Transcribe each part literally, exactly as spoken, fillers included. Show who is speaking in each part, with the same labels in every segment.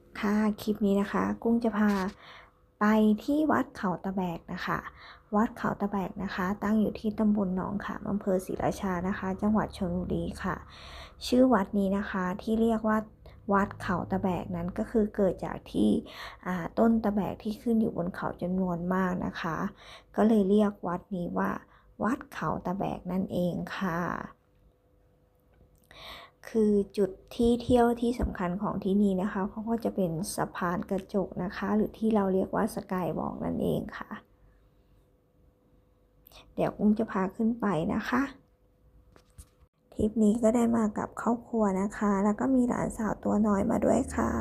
Speaker 1: ค่ะคลิปนี้นะคะกุ้งจะพาไปที่วัดเขาตะแบกนะคะวัดเขาตะแบกนะคะตั้งอยู่ที่ตำบลหนองขามอำเภอศรีราชานะคะจังหวัดชลบุรีค่ะชื่อวัดนี้นะคะที่เรียกว่าวัดเขาตะแบกนั้นก็คือเกิดจากที่ต้นตะแบกที่ขึ้นอยู่บนเขาจำนวนมากนะคะก็เลยเรียกวัดนี้ว่าวัดเขาตะแบกนั่นเองค่ะคือจุดที่เที่ยวที่สำคัญของที่นี่นะคะเขาก็จะเป็นสะพานกระจกนะคะหรือที่เราเรียกว่าสกายวอล์กนั่นเองค่ะเดี๋ยวกุ้งจะพาขึ้นไปนะคะทริปนี้ก็ได้มากับครอบครัวนะคะแล้วก็มีหลานสาวตัวน้อยมาด้วยค่ะ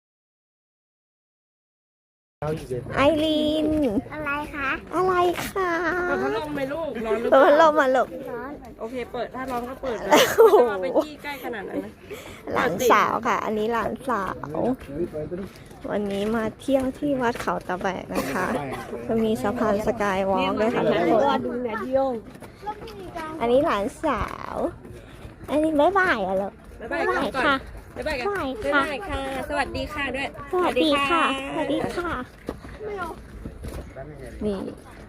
Speaker 1: ไอรีน
Speaker 2: อะไรคะ
Speaker 1: อะไรคะ
Speaker 3: เปิดพัดลมไหมลูกร้อนหรือ
Speaker 1: เปิ
Speaker 3: เป
Speaker 1: ดพัดล
Speaker 3: ล่าม
Speaker 1: มาลูก
Speaker 2: ร้อน
Speaker 3: โอเคเปิดถ้าร้อนก็เปิดเลยไม่ต้องเอาไปจี้ใกล้ขนาดนั้นนะ
Speaker 1: หลานสาวค่ะ อันนี้หลานสาววันนี้มาเที่ยวที่วัดเขาตะแบกนะคะจะมีสะพานสกายวอล์กด้วยค่ะทุกคนอันนี้หลานสาวอันนี้บ๊ายบายอ่ะลูก
Speaker 3: บ๊ายบายก่อนบ๊ายบายกัน
Speaker 1: บ๊ายบาย
Speaker 3: บ๊าย
Speaker 1: ค่ะ
Speaker 3: บายค่ะ สวัสดีค่ะด้วย
Speaker 1: สวัสดีค่ะสวัสดีค่ะนี่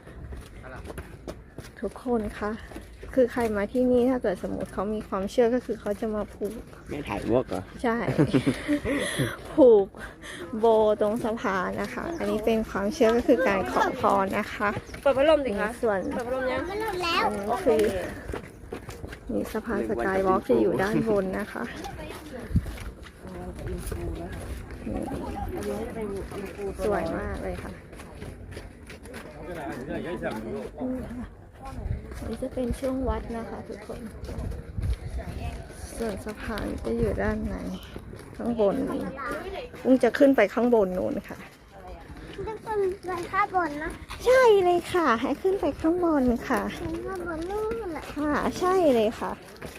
Speaker 1: ทุกคนคะคือใครมาที่นี่ถ้าเกิดสมมติเขามีความเชื่อก็คือเขาจะมาผูก
Speaker 4: ไม่ถ่ายวอกเหรอ
Speaker 1: ใช่ ผูกโบตรงสะพานนะคะ อันนี้เป็นความเชื่อก็คือการขอพรนะคะ
Speaker 3: เปิดพัดลมสิคะ
Speaker 1: ส่วน
Speaker 3: เปิดพัดลมยัง
Speaker 2: ไม่รู้แล้ว
Speaker 1: อันนี้คือนี่สะพานสกายวอล์กจะอยู่ด้านบนนะคะสวยมากเลยค่ะนี่จะเป็นช่วงวัดนะคะทุกคนส่วนสะพานจะอยู่ด้านในข้างบนนี้อุ้งจะขึ้นไปข้างบนนู้นค่ะ
Speaker 2: ทุกคนไปข้างบนนะ
Speaker 1: ใช่เลยค่ะ ให้ขึ้นไปข้างบนค่ะ
Speaker 2: ข้างบนนู่นแหละ
Speaker 1: ค่ะใช่เลยค่ะ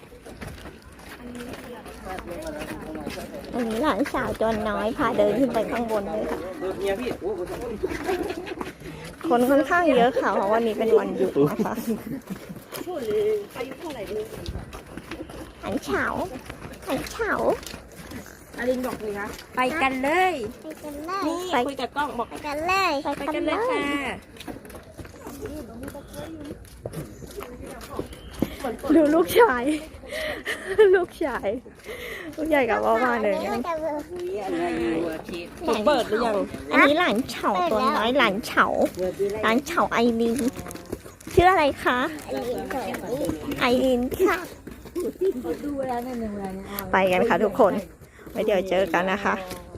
Speaker 1: อันนี้หลานสาวตัวน้อยพาเดินขึ้นไปข้างบนเลยค่ะคนค่อนข้างเยอะค่ะเพราะวันนี้เป็นวันหยุดนะคะหันเฉาหันเฉา
Speaker 3: อารินบอกเลยคะไปกันเลย
Speaker 2: ไปกันเลย
Speaker 3: นี่คุยกับกล้องบอก
Speaker 2: ไปกันเลย
Speaker 3: ไปกันเลยค่ะ
Speaker 1: ดูลูกชาย ลูกชายลูกใหญ่กับพ่อมาเลย
Speaker 2: ไปกันเลย
Speaker 3: ผมเปิดหรือยัง
Speaker 1: อันนี้หลานเฉาตัวน้อยหลานเฉาหลานเฉาไอรินชื่ออะไรคะไอรินค่ะไปกันค่ะทุกคนไว้เดี๋ยวเจอกันนะคะ